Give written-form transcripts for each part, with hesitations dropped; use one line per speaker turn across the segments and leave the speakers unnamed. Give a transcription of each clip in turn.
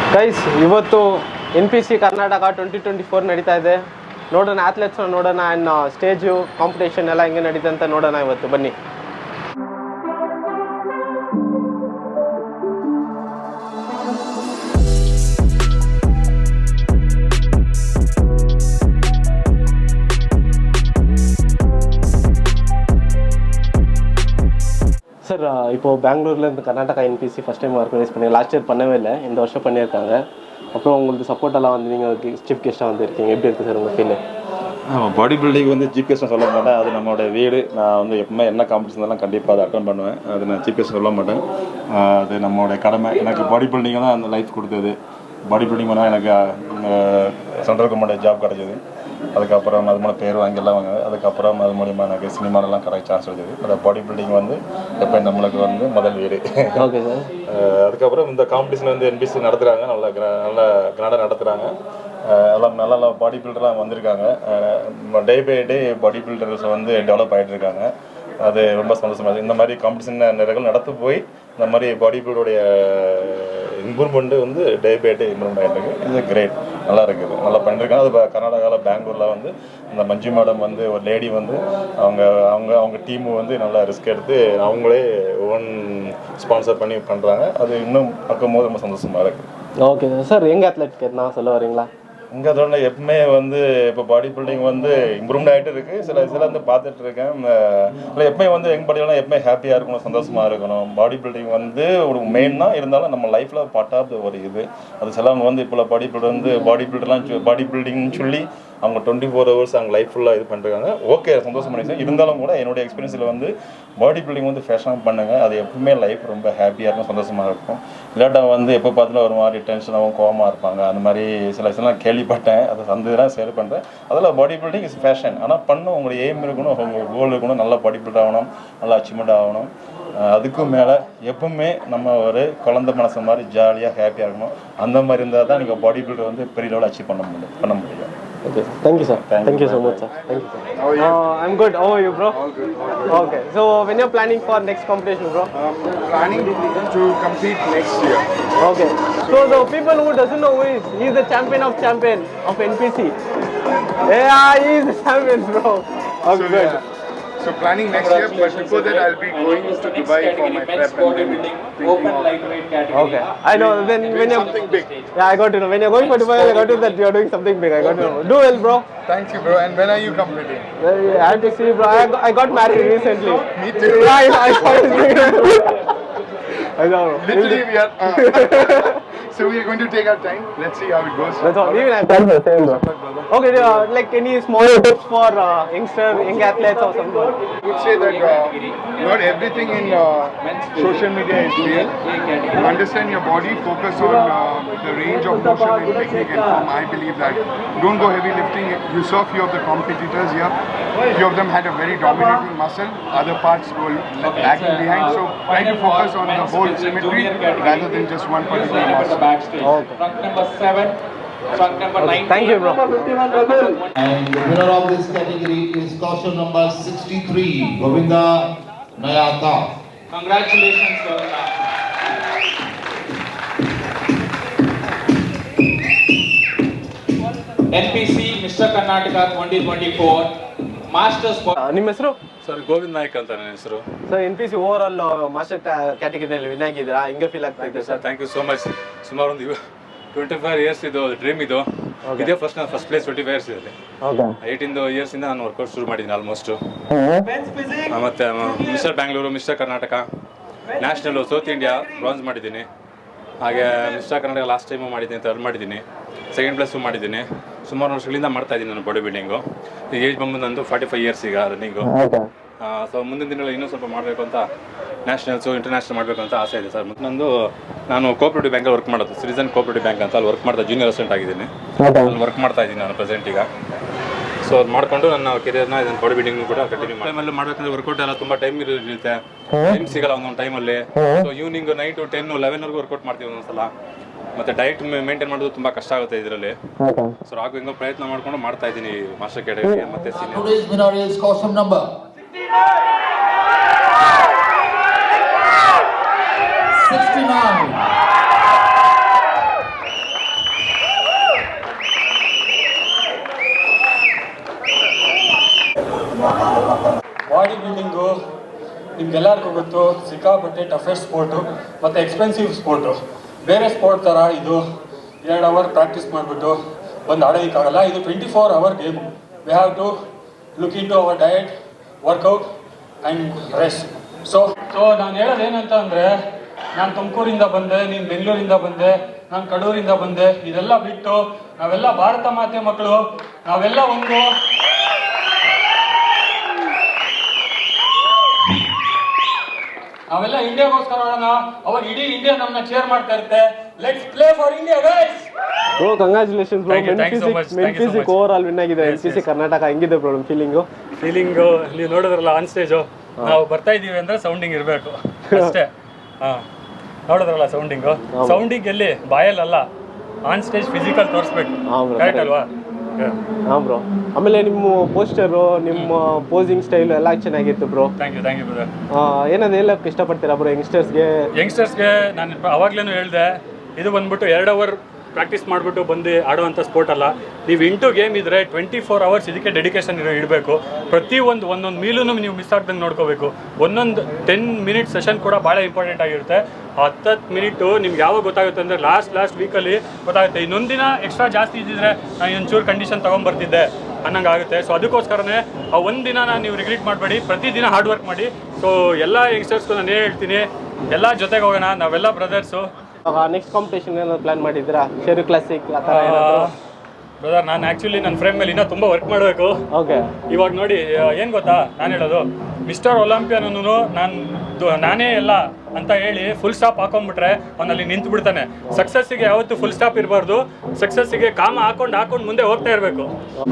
Guys, ಇವತ್ತು NPC Karnataka 2024 ನಡೀತಾ ಇದೆ. ನೋಡೋಣ, ಅಥ್ಲೆಟ್ಸ್ನ ನೋಡೋಣ, ಆ್ಯಂಡ್ ಸ್ಟೇಜು ಕಾಂಪಿಟೇಷನ್ ಎಲ್ಲ ಹೆಂಗೆ ನಡೀತೆ ಅಂತ ನೋಡೋಣ ಇವತ್ತು. ಬನ್ನಿ. சார், இப்போது பெங்களூர்லேருந்து Karnataka NPC first time organise பண்ணி லாஸ்ட் இயர் பண்ணவே இல்லை, இந்த வருஷம் பண்ணியிருக்காங்க. அப்புறம் உங்களுக்கு சப்போர்ட்டெல்லாம் வந்து நீங்கள் சீஃப் கெஸ்ட்டாக வந்துருக்கீங்க, எப்படி இருக்குது சார் உங்கள் ஃபீல்?
பாடி பில்டிங் வந்து சீஃப் கெஸ்ட்டாக சொல்ல மாட்டேன், அது நம்மளோட வீடு. நான் வந்து எப்பவுமே என்ன காம்படிஷன்லாம் கண்டிப்பாக அதை அட்டன் பண்ணுவேன். அது நான் சீஃப் கெஸ்ட் சொல்ல மாட்டேன், அது நம்மளோட கடமை. எனக்கு பாடி பில்டிங் தான் அந்த லைஃப் கொடுத்தது. பாடி பில்டிங் பண்ணால் எனக்கு சென்ட்ரல் கவர்மெண்ட் ஜாப் கிடச்சிது. அதுக்கப்புறம் அது மூலம் பேர் வாங்கிலாம் வாங்க. அதுக்கப்புறம் அது மூலிமா எனக்கு சினிமாலெலாம் கரெக்ட் சான்ஸ் கிடைச்சது. அந்த பாடி பில்டிங் வந்து எப்போ நம்மளுக்கு வந்து முதல் வீடு.
Okay sir.
அதுக்கப்புறம் இந்த காம்படிஷன் வந்து NPC நடத்துகிறாங்க, நல்லா கிராண்டாக நடத்துகிறாங்க. எல்லாம் நல்ல பாடி பில்டர்லாம் வந்திருக்காங்க. Day by day body builders வந்து டெவலப் ஆகிட்டு இருக்காங்க. அது ரொம்ப சந்தோஷமாக இருக்குது. இந்த மாதிரி காம்படிஷன் நிறைய நடத்து போய் இந்த மாதிரி பாடி பில்டருடைய இம்ப்ரூவ்மெண்ட்டு வந்து டே பை டே இம்ப்ரூவ்மெண்ட் ஆகிட்டு இருக்குது. இது கிரேட், நல்லா இருக்குது, நல்லா பண்ணியிருக்காங்க. அது கர்நாடகாவில் பெங்களூரில் வந்து இந்த மஞ்சு மேடம் வந்து ஒரு லேடி வந்து அவங்க டீமு வந்து நல்லா ரிஸ்க் எடுத்து அவங்களே ஓன் ஸ்பான்சர் பண்ணி பண்ணுறாங்க. அது இன்னும் பார்க்கும்போது ரொம்ப சந்தோஷமாக இருக்குது. ஓகே
சார், எங்கள் அத்லெட் நான் சொல்ல வரீங்களா?
இங்கே அதோட எப்பவுமே வந்து இப்போ பாடி பில்டிங் வந்து இம்ப்ரூவ்மெண்ட் ஆகிட்டு இருக்குது. சில வந்து பார்த்துட்டு இருக்கேன். இல்லை எப்பவுமே வந்து எங்கள் பாடியெல்லாம் எப்பவுமே ஹாப்பியாக இருக்கணும், சந்தோஷமாக இருக்கணும். பாடி பில்டிங் வந்து ஒரு மெயின் தான், இருந்தாலும் நம்ம லைஃப்பில் பார்ட் ஆஃப் ஒரு இது. அது சிலவங்க வந்து இப்போ பாடி பில்டர் வந்து பாடி பில்டிங்னு சொல்லி அவங்க 24 hours அவங்க லைஃப் ஃபுல்லாக இது பண்ணுறாங்க. ஓகே, சந்தோஷம் பண்ணிச்சு. இருந்தாலும் கூட என்னுடைய எக்ஸ்பீரியன்ஸில் வந்து பாடி பில்டிங் வந்து ஃபேஷனாக பண்ணுங்கள். அது எப்பவுமே லைஃப் ரொம்ப ஹாப்பியாக இருக்கும், சந்தோஷமாக இருக்கும். இல்லாட்டால் வந்து எப்போ பார்த்தாலும் ஒரு மாதிரி டென்ஷனாகவும் கோவமாக இருப்பாங்க. அந்த மாதிரி சில கேள்விப்பட்டேன். அதை சந்தேகம் ஷேர் பண்ணுறேன். அதில் பாடி பில்டிங் இஸ் ஃபேஷன். ஆனால் பண்ணணும், உங்களுடைய எய்ம் இருக்கணும், உங்கள் கோல் இருக்கணும், நல்லா பாடி பில்ட் ஆகணும், நல்லா அச்சீவ்மெண்ட் ஆகணும். அதுக்கும் மேலே எப்பவுமே நம்ம ஒரு குழந்தை மனசு மாதிரி ஜாலியாக ஹாப்பியாக இருக்கணும். அந்த மாதிரி இருந்தால் தான் நீங்கள் பாடி பில்டர் வந்து பெரிய லெவலில் அச்சீவ் பண்ண முடியும்.
Okay, thank you sir. Thank you so much sir. Thank you sir.
How are you?
I'm good. How are you, bro?
All good.
Okay. So when you're planning for next competition, bro?
Planning to compete next year.
Okay. So the people who doesn't know who he is the champion of NPC. Yeah, he is the champion, bro. Okay, good.
Yeah. So planning next year, but before that I'll be going to Dubai for my prep and then thinking
Okay. I know. Then when you're
something big.
Yeah, I got to know. When you're going for Dubai, I got to know that you're doing something big. I got to know. Do well, bro.
Thank you, bro. And when are you competing?
I have to see, bro. I got married recently.
Me too.
Yeah, I saw it. I know.
Literally we are so we are going to take our time. Let's see how it goes.
That's all. Even I'm done the same, bro. Okay, like any small tips for young athletes or something?
I would say that not everything in social media is real. Understand your body, focus on the range of motion and technique and form. I believe that. Don't go heavy lifting. You saw few of the competitors here. Few of them had a very dominating muscle. Other parts were lagging behind. So try to focus on the whole symmetry rather than just one particular muscle.
Backstage.
Okay.
Trunk number 7, trunk number 9.
Thank you, bro.
And the winner of this category is caution number 63, Govinda Nayata.
Congratulations, Govinda. NPC Mr. Karnataka 2024 Masters.
ನಿಮ್ಮ ಹೆಸರು?
Sir Govind Naik ಅಂತ ನನ್ನ ಹೆಸರು.
Sir NPC over all master ಕ್ಯಾಟಗರಿಯಲ್ಲಿ win ಆಗಿದ್ದೀರಾ, ಹೆಂಗೆ feel ಆಗ್ತಾ ಇದೆ sir?
Thank you so much. ಸುಮಾರು ಒಂದು 25 years ಇದು ಡ್ರೀಮ್ ಇದು. ಇದೇ ನಾನು ಫಸ್ಟ್ ಪ್ಲೇಸ್ 25 years ಇದೆ. 18 years ಇಂದ ನಾನು ವರ್ಕೌಟ್ ಶುರು ಮಾಡಿದ್ದೀನಿ ಆಲ್ಮೋಸ್ಟ್. ಮತ್ತೆ mister Bangalore, mister Karnataka, national, south India bronze ಮಾಡಿದ್ದೀನಿ. ಹಾಗೆ ಮಿಸ್ಟರ್ ಕರ್ನಾಟಕ ಲಾಸ್ಟ್ ಟೈಮು ಮಾಡಿದ್ದೀನಿ, ಥರ್ಡ್ ಮಾಡಿದ್ದೀನಿ, ಸೆಕೆಂಡ್ ಪ್ಲೇಸು ಮಾಡಿದ್ದೀನಿ. ಸುಮಾರು ವರ್ಷಗಳಿಂದ ಮಾಡ್ತಾ ಇದ್ದೀನಿ ನಾನು ಬಾಡಿ ಬಿಲ್ಡಿಂಗು. ಈಗ ಏಜ್ ಬಂದು ನಂದು 45 years ಈಗ ರನ್ನಿಂಗು. ಸೊ ಮುಂದಿನ ದಿನಗಳಲ್ಲಿ ಇನ್ನೂ ಸ್ವಲ್ಪ ಮಾಡಬೇಕು ಅಂತ, ನ್ಯಾಷನಲ್ಸು ಇಂಟರ್ನ್ಯಾಷನಲ್ ಮಾಡಬೇಕು ಅಂತ ಆಸೆ ಇದೆ ಸರ್. ಮತ್ತು ನಾನು ಕೋಆಪರೇಟಿವ್ ಬ್ಯಾಂಕಲ್ಲಿ ವರ್ಕ್ ಮಾಡೋದು, ಸಿಟಿಸನ್ ಕೋಆಪರೇಟಿವ್ ಬ್ಯಾಂಕ್ ಅಂತ ಅಲ್ಲಿ ವರ್ಕ್ ಮಾಡ್ತಾ ಜೂನಿಯರ್ ಅಸಿಸ್ಟೆಂಟ್ ಆಗಿದ್ದೀನಿ. ಅಲ್ಲಿ ವರ್ಕ್ ಮಾಡ್ತಾ ಇದ್ದೀನಿ ನಾನು ಪ್ರೆಸೆಂಟ್ ಈಗ. ಸೊ ಅದು ಮಾಡಿಕೊಂಡು ನನ್ನ ಕೆರಿಯರ್ನ ಇದನ್ನು ಬಾಡಿ ಬಿಲ್ಡಿಂಗ್ ಕೂಡ ಕಂಟಿನ್ಯೂ ಟೈಮಲ್ಲಿ ಮಾಡಬೇಕಂದ್ರೆ ವರ್ಕೌಟ್ ಎಲ್ಲ ತುಂಬ ಟೈಮ್ ಇರುತ್ತೆ, ಟೈಮ್ ಸಿಗಲ್ಲ ಒಂದೊಂದು ಟೈಮಲ್ಲಿ. ಸೊ ಈವ್ನಿಂಗ್ 9 to 10, 11 ವರ್ಕೌಟ್ ಮಾಡ್ತೀವಿ ಒಂದೊಂದ್ಸಲ. ಮತ್ತು ಡಯಟ್ ಮೇಂಟೈನ್ ಮಾಡೋದು ತುಂಬ ಕಷ್ಟ ಆಗುತ್ತೆ ಇದರಲ್ಲಿ. ಸೊ ಹಾಗೂ ಹಿಂಗೋ ಪ್ರಯತ್ನ ಮಾಡ್ಕೊಂಡು ಮಾಡ್ತಾ ಇದ್ದೀನಿ ಮಾಸ್ಟರ್ ಕ್ಯಾಟಗರಿ ಮತ್ತು senior.
Today's winner is caution number 69.
ನಿಮ್ಗೆಲ್ಲರಿಗೂ ಗೊತ್ತು ಸಿಕ್ಕಾಪಟ್ಟೆ ಟಫೆಸ್ಟ್ ಸ್ಪೋರ್ಟು ಮತ್ತು ಎಕ್ಸ್ಪೆನ್ಸಿವ್ ಸ್ಪೋರ್ಟು. ಬೇರೆ ಸ್ಪೋರ್ಟ್ ಥರ ಇದು 2 ಅವರ್ ಪ್ರಾಕ್ಟೀಸ್ ಮಾಡಿಬಿಟ್ಟು ಬಂದು ಆಡೋದಕ್ಕಾಗಲ್ಲ. ಇದು 24 hour game. We have to look into our diet, workout and rest. So ನಾನು ಹೇಳೋದೇನಂತ ಅಂದರೆ, ನಾನು ತುಮಕೂರಿಂದ ಬಂದೆ, ನೀನು ಬೆಂಗಳೂರಿಂದ ಬಂದೆ, ನಾನು ಕಡೂರಿಂದ ಬಂದೆ. ಇದೆಲ್ಲ ಬಿಟ್ಟು ನಾವೆಲ್ಲ ಭಾರತ ಮಾತೆ ಮಕ್ಕಳು, ನಾವೆಲ್ಲ ಇಂಡಿಯಾಗೋಸ್ಕರ ಆಡೋಣ. ಅವಾಗ ಇಡೀ ಇಂಡಿಯಾ ನಮ್ಮನ್ನ ಚೇರ್ ಮಾಡ್ತಾ ಇರುತ್ತೆ. Let's play for India guys.
Bro congratulations bro. Men physique over all win ಆಗಿದೆ NPC ಕರ್ನಾಟಕ. ಹೆಂಗಿದೆ ಬ್ರೋ ನಿಮ್ಮ ಫೀಲಿಂಗು?
ನೀವು ನೋಡಿದ್ರಲ್ಲ ಆನ್ ಸ್ಟೇಜು, ನಾವು ಬರ್ತಾ ಇದೀವಿ ಅಂದ್ರೆ ಸೌಂಡಿಂಗ್ ಇರಬೇಕು ಅಷ್ಟೇ. ನೋಡಿದ್ರಲ್ಲ ಸೌಂಡಿಂಗ್ ಎಲ್ಲಿ ಬಾಯಲ್ಲ, ಆನ್ ಸ್ಟೇಜ್ ಫಿಸಿಕಲ್ ತೋರಿಸ್ಬೇಕು. ಕರೆಕ್ಟ್ ಅಲ್ವಾ?
ಹಾಂ ಬ್ರೋ. ಆಮೇಲೆ ನಿಮ್ಮ ಪೋಸ್ಟರು, ನಿಮ್ಮ ಪೋಸಿಂಗ್ ಸ್ಟೈಲು ಎಲ್ಲ ಚೆನ್ನಾಗಿತ್ತು ಬ್ರೋ.
Thank you brother.
ಏನಾದ್ರು ಹೇಳಕ್ಕೆ ಇಷ್ಟಪಡ್ತೀರಾ ಬ್ರೋ ಯಂಗ್ಸ್ಟರ್ಸ್ಗೆ?
ನಾನು ಅವಾಗ್ಲೇನು ಹೇಳಿದೆ, ಇದು ಬಂದ್ಬಿಟ್ಟು 2 ಅವರ್ ಪ್ರಾಕ್ಟೀಸ್ ಮಾಡಿಬಿಟ್ಟು ಬಂದು ಆಡುವಂಥ ಸ್ಪೋರ್ಟ್ ಅಲ್ಲ. ನೀವು ಇಂಟು ಗೇಮ್ ಇದ್ದರೆ 24 ಅವರ್ಸ್ ಇದಕ್ಕೆ ಡೆಡಿಕೇಶನ್ ಇಡಬೇಕು. ಒಂದೊಂದು ಮೀಲೂ ನೀವು ಮಿಸ್ ಆಗ್ದಂಗೆ ನೋಡ್ಕೋಬೇಕು. ಒಂದೊಂದು 10 ಮಿನಿಟ್ ಸೆಷನ್ ಕೂಡ ಭಾಳ ಇಂಪಾರ್ಟೆಂಟ್ ಆಗಿರುತ್ತೆ. 10 ಮಿನಿಟು ನಿಮ್ಗೆ ಯಾವಾಗ ಗೊತ್ತಾಗುತ್ತೆ ಅಂದರೆ ಲಾಸ್ಟ್ ವೀಕಲ್ಲಿ ಗೊತ್ತಾಗುತ್ತೆ. ಇನ್ನೊಂದು ದಿನ ಎಕ್ಸ್ಟ್ರಾ ಜಾಸ್ತಿ ಇದ್ದಿದ್ರೆ ನಾನು ಒಂಚೂರು ಕಂಡೀಷನ್ ತೊಗೊಂಬರ್ತಿದ್ದೆ ಅನ್ನಂಗೆ ಆಗುತ್ತೆ. ಸೊ ಅದಕ್ಕೋಸ್ಕರನೇ ಆ ಒಂದು ದಿನ ನೀವು ರಿಗ್ರೆಟ್ ಮಾಡಬೇಡಿ, ಪ್ರತಿದಿನ ಹಾರ್ಡ್ ವರ್ಕ್ ಮಾಡಿ. ಸೊ ಎಲ್ಲ ಯಂಗ್ಸ್ಟರ್ಸ್ಗೂ ನಾನು ಹೇಳ್ತೀನಿ, ಎಲ್ಲ ಜೊತೆಗೆ ಹೋಗೋಣ, ನಾವೆಲ್ಲ ಬ್ರದರ್ಸು.
ನೆಕ್ಸ್ಟ್ ಕಾಂಪಿಟೇಷನ್ ಏನಾದ್ರು ಪ್ಲಾನ್ ಮಾಡಿದ್ದೀರಾ? ಶೇರು ಕ್ಲಾಸಿಕ್ ಆ ಥರ
ಬ್ರದರ್, ನಾನು ಆ್ಯಕ್ಚುಲಿ ನನ್ನ ಫ್ರೇಮ್ ಮೇಲೆ ಇನ್ನೂ ತುಂಬ ವರ್ಕ್ ಮಾಡಬೇಕು.
ಓಕೆ.
ಇವಾಗ ನೋಡಿ ಏನು ಗೊತ್ತಾ ನಾನು ಹೇಳೋದು, ಮಿಸ್ಟರ್ ಒಲಿಂಪಿಯನೂ ನಾನೇ ಎಲ್ಲ ಅಂತ ಹೇಳಿ ಫುಲ್ ಸ್ಟಾಪ್ ಹಾಕೊಂಡ್ಬಿಟ್ರೆ ಅವನಲ್ಲಿ ನಿಂತು ಬಿಡ್ತಾನೆ. ಸಕ್ಸಸ್ಸಿಗೆ ಯಾವತ್ತೂ ಫುಲ್ ಸ್ಟಾಪ್ ಇರಬಾರ್ದು. ಸಕ್ಸಸ್ಸಿಗೆ ಕಾಮ ಹಾಕೊಂಡು ಮುಂದೆ ಹೋಗ್ತಾ ಇರಬೇಕು.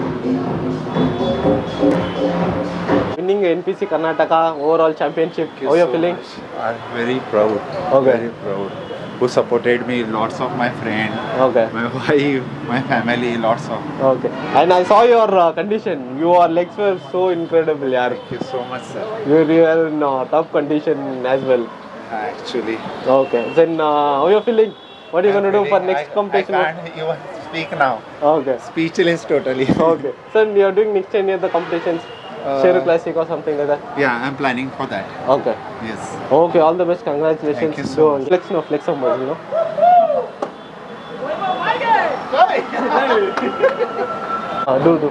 Winning NPC Karnataka over championship, how you feeling?
I'm very proud.
Okay.
Very proud. Who supported me, lots of my friends,
Okay.
my wife, my family, lots of.
Okay. And I saw your condition. Your legs were so incredible, yaar.
Thank you so much, sir.
You were in tough condition as well.
Actually.
Okay. Then how you feeling? What are you going to do for next competition?
I can't even speak now.
Okay.
Speechless totally.
Okay. So you are doing next 10 years the competitions, Sheru Classic or something like that?
Yeah, I'm planning for that.
Okay.
Yes.
Okay. All the best. Congratulations.
Thank you so much.
Flex of muscle, you know. Do.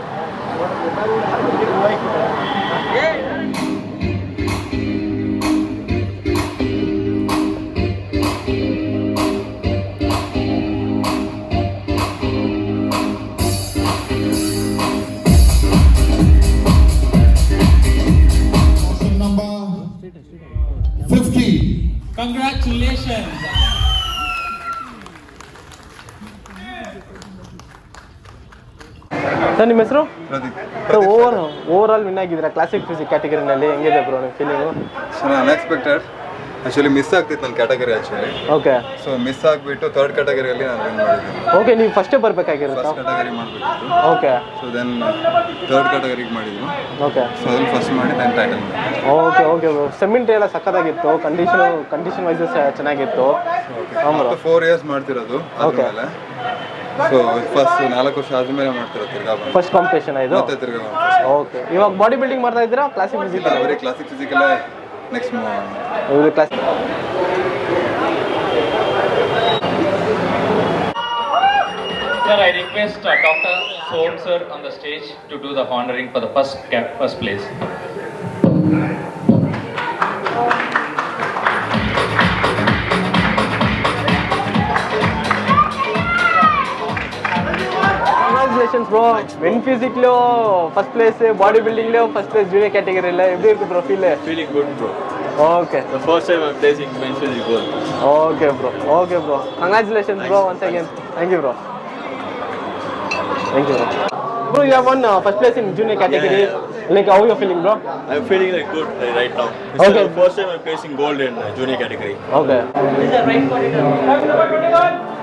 Number 50.
Congratulations.
Sir ನಿಮ್ಮ ಹೆಸರು?
Pradeep.
Sir over all win ಆಗಿದ್ದೀರಾ classic physique ಕ್ಯಾಟಗರಿನಲ್ಲಿ. ಹೆಂಗಿದೆ bro ನಿಮ್ಮ feeling?
Unexpected. Actually miss ಆಗ್ತಿತ್ತು ನನ್ನ category actually.
Okay.
So miss ಆಗಿಬಿಟ್ಟು 3rd ಕ್ಯಾಟಗರಿಯಲ್ಲಿ ನಾನು ವಿನ್ ಮಾಡಿದ್ದೀನಿ.
ಓಕೆ. ನೀವು ಫಸ್ಟೇ ಬರಬೇಕಾಗಿರುತ್ತಾ?
ಫಸ್ಟ್ ಕ್ಯಾಟಗರಿ ಮಾಡಬೇಕಿತ್ತು.
ಓಕೆ.
ಸೊ ದೆನ್ 3rd ಕ್ಯಾಟಗರಿಗೆ ಮಾಡಿದ್ವಿ.
ಓಕೆ.
ಸೊ ಅದ್ರಲ್ಲಿ ಫಸ್ಟ್ ಮಾಡಿ ನಾನು ಟೈಟಲ್ ಮಾಡಿದೆ.
Okay bro. ಸೆಮೆಂಟ್ ಎಲ್ಲ ಸಕ್ಕತ್ತಾಗಿತ್ತು, ಕಂಡೀಷನ್ ವೈಸ್ ಚೆನ್ನಾಗಿತ್ತು.
ಮತ್ತು 4 ಇಯರ್ಸ್ ಮಾಡ್ತಿರೋದು ಆದ್ಮೇಲೆ. ಸೊ ಫಸ್ಟ್ 4 ವರ್ಷ ಆದ್ಮೇಲೆ ಮಾಡ್ತಿರೋದು ತಿರ್ಗಾ
ಫಸ್ಟ್ ಕಾಂಪಿಟೇಷನ್ ಇದು
ಮತ್ತೆ ತಿರ್ಗಾ.
ಓಕೆ. ಇವಾಗ ಬಾಡಿ ಬಿಲ್ಡಿಂಗ್ ಮಾಡ್ತಾ ಇದ್ದೀರಾ ಕ್ಲಾಸಿಕ್ ಫಿಸಿಕಲ್?
ಬರೀ ಕ್ಲಾಸಿಕ್ ಫಿಸಿಕಲ್ಲೇ ನೆಕ್ಸ್ಟ್ ಮೂವ್
ಇವರು class.
Sir, I request Dr. Som sir on the stage to do the honoring for the first place.
Congratulations bro. Men physics lo first place, body building lo first place, junior category la eppadi irukku bro feel?
Feeling good bro.
Okay.
The first time I'm placing men physics goal.
Okay bro. Congratulations bro once again. Thank you bro. Bro, you have won first place in junior category. Like how you feeling bro?
I'm feeling like good right now.
Okay.
The first time I'm placing gold in junior category.
Okay.
This is the right corridor.